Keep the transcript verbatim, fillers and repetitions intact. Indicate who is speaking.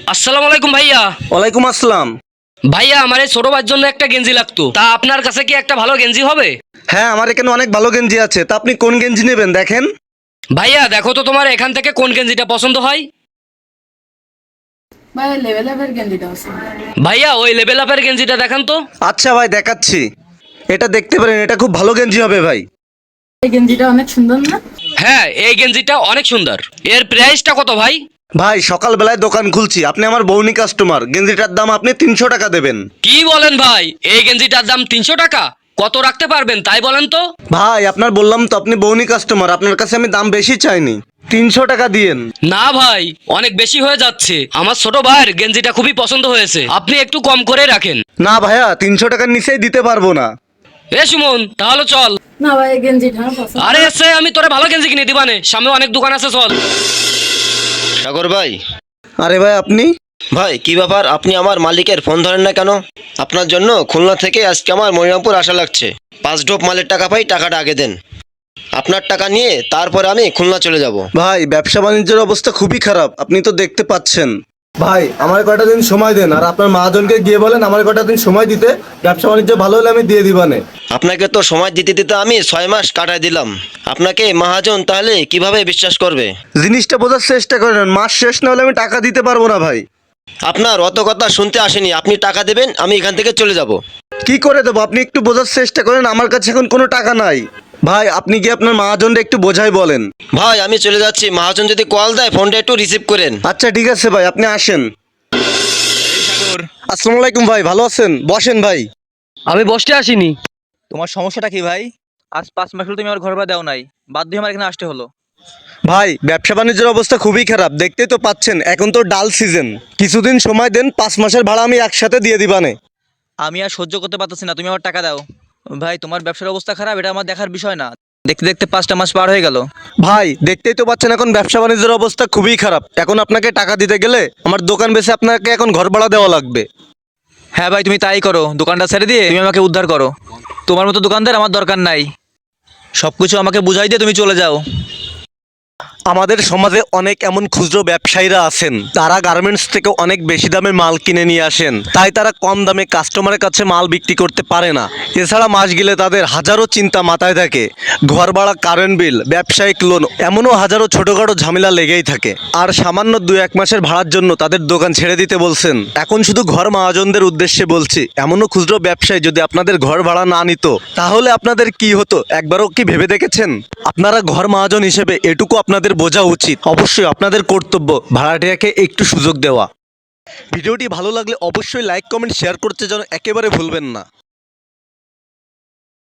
Speaker 1: আসসালামু আলাইকুম ভাইয়া।
Speaker 2: ওয়ালাইকুম আসসালাম।
Speaker 1: ভাইয়া আমার এই ছোট ভাইয়ের জন্য একটা গেঞ্জি লাগতো, তা আপনার কাছে কি একটা ভালো গেঞ্জি হবে?
Speaker 2: হ্যাঁ, আমার এখানে অনেক ভালো গেঞ্জি আছে, তা আপনি কোন গেঞ্জি নেবেন দেখেন।
Speaker 1: ভাইয়া দেখো তো তোমার এখান থেকে কোন গেঞ্জিটা পছন্দ হয়।
Speaker 3: ভাই লেভেল আপের গেঞ্জিটা আছে।
Speaker 1: ভাইয়া ওই লেভেল আপের গেঞ্জিটা দেখান তো।
Speaker 2: আচ্ছা ভাই, দেখাচ্ছি। এটা দেখতে পারেন, এটা খুব ভালো গেঞ্জি হবে ভাই।
Speaker 3: এই গেঞ্জিটা অনেক সুন্দর না?
Speaker 1: হ্যাঁ এই গেঞ্জিটা অনেক সুন্দর। এর প্রাইসটা কত ভাই?
Speaker 2: ভাই সকালবেলায় দোকান খুলছি, আপনি আমার বউনি কাস্টমার, গেঞ্জিটার দাম আপনি তিনশো টাকা দেবেন।
Speaker 1: কি বলেন ভাই, এই গেঞ্জিটার দাম তিনশো টাকা? কত রাখতে পারবেন তাই বলেন তো।
Speaker 2: ভাই আপনার বললাম তো, আপনি বউনি কাস্টমার, আপনার কাছে আমি দাম বেশি চাইনি, তিনশো টাকা দিয়েন।
Speaker 1: না ভাই, অনেক বেশি হয়ে যাচ্ছে, আমার ছোট ভাইয়ের গেঞ্জিটা খুবই পছন্দ হয়েছে, আপনি একটু কম করে রাখেন।
Speaker 2: না ভাইয়া, তিনশো টাকার নিচেই দিতে পারবো না।
Speaker 1: এ সুমন তাহলে চল।
Speaker 3: না ভাই এই গেঞ্জিটা আমার পছন্দ।
Speaker 1: আরে এসে আমি তোরে ভালো গেঞ্জি কিনে দিবানে, সামনে অনেক দোকান আছে, চল।
Speaker 4: সাগর ভাই।
Speaker 2: আরে ভাই আপনি?
Speaker 4: ভাই কি ব্যাপার, আপনি আমার মালিকের ফোন ধরেন না কেন? আপনার জন্য খুলনা থেকে আজকে আমার মনিরামপুর আসা লাগছে। পাঁচ ডোপ মালের টাকা পাই, টাকাটা আগে দেন। আপনার টাকা নিয়ে তারপরে আমি খুলনা চলে যাব।
Speaker 2: ভাই ব্যবসা বাণিজ্যের অবস্থা খুবই খারাপ, আপনি তো দেখতে পাচ্ছেন। ভাই আমার কয়টা দিন সময় দেন, আর আপনার মহাজনকে গিয়ে বলেন আমার কয়টা দিন সময় দিতে, ব্যবসা বাণিজ্য ভালো হলে আমি দিয়ে দিবানে।
Speaker 4: আপনাকে তো সময় দিতে দিতে আমি ছয় মাস কাটাই দিলাম, আপনাকে মহাজন তাহলে কিভাবে বিশ্বাস করবে?
Speaker 2: জিনিসটা বোঝার চেষ্টা করেন, মাস শেষ না হলে আমি টাকা দিতে পারবো না ভাই।
Speaker 4: আপনার অত কথা শুনতে আসেনি, আপনি টাকা দেবেন, আমি এখান থেকে চলে যাব।
Speaker 2: কি করে দেবো, আপনি একটু বোঝার চেষ্টা করেন, আমার কাছে এখন কোনো টাকা নাই। ভাই আপনি কি আপনার মহাজনটা একটু বোঝাই বলেন।
Speaker 4: ভাই আমি চলে যাচ্ছি, মহাজন যদি কল দেয় ফোনটা একটু রিসিভ করেন।
Speaker 2: আচ্ছা ঠিক আছে ভাই, আপনি আসেন। আসসালামু আলাইকুম ভাই, ভালো আছেন? বসেন ভাই।
Speaker 1: আমি বসতে আসিনি।
Speaker 5: তোমার সমস্যাটা কি ভাই? আজ পাঁচ মাস হলো তুমি আমার ঘর ভাড়া দাও নাই, বাধ্য হয়ে আমার এখানে আসতে হলো।
Speaker 2: ভাই ব্যবসা বাণিজ্যের অবস্থা খুবই খারাপ, দেখতেই তো পাচ্ছেন, এখন তো ডাল সিজন, কিছুদিন সময় দেন, পাঁচ মাসের ভাড়া আমি একসাথে দিয়ে দিবানে।
Speaker 5: আমি আর সহ্য করতে পারতেছি না, তুমি আমার টাকা দাও। ভাই তোমার ব্যবসার অবস্থা খারাপ, এটা আমার দেখার বিষয় না। দেখতে দেখতে পাঁচটা মাস পার হয়ে গেল।
Speaker 2: ভাই দেখতেই তো পাচ্ছেন, এখন ব্যবসা বাণিজ্যের অবস্থা খুবই খারাপ, এখন আপনাকে টাকা দিতে গেলে আমার দোকান বেচে আপনাকে এখন ঘর ভাড়া দেওয়া লাগবে।
Speaker 5: হ্যাঁ ভাই তুমি তাই করো, দোকানটা ছেড়ে দিয়ে তুমি আমাকে উদ্ধার করো। তোমার মতো দোকানদার আমার দরকার নাই, সব কিছু আমাকে বুঝাই দিয়ে তুমি চলে যাও।
Speaker 2: আমাদের সমাজে অনেক এমন খুচরো ব্যবসায়ীরা আছেন, তারা গার্মেন্টস থেকে অনেক বেশি দামে মাল কিনে নিয়ে আসেন, তাই তারা কম দামে কাস্টমারের কাছে মাল বিক্রি করতে পারে না। এছাড়া মাস গেলে তাদের হাজারো চিন্তা মাথায় থাকে, ঘর ভাড়া, কারেন্ট বিল, ব্যবসায়িক লোন, এমনও হাজারো ছোটোখাটো ঝামেলা লেগেই থাকে। আর সামান্য দু এক মাসের ভাড়ার জন্য তাদের দোকান ছেড়ে দিতে বলছেন। এখন শুধু ঘর মহাজনদের উদ্দেশ্যে বলছি, এমনও খুচরো ব্যবসায়ী যদি আপনাদের ঘর ভাড়া না নিত, তাহলে আপনাদের কি হতো একবারও কি ভেবে দেখেছেন? আপনারা ঘর মহাজন হিসেবে এটুকু আপনাদের বোঝা উচিত, অবশ্যই আপনাদের কর্তব্য ভাড়াটিয়াকে একটু সুযোগ দেওয়া। ভিডিওটি ভালো লাগলে অবশ্যই লাইক কমেন্ট শেয়ার করতে যেন একেবারে ভুলবেন না।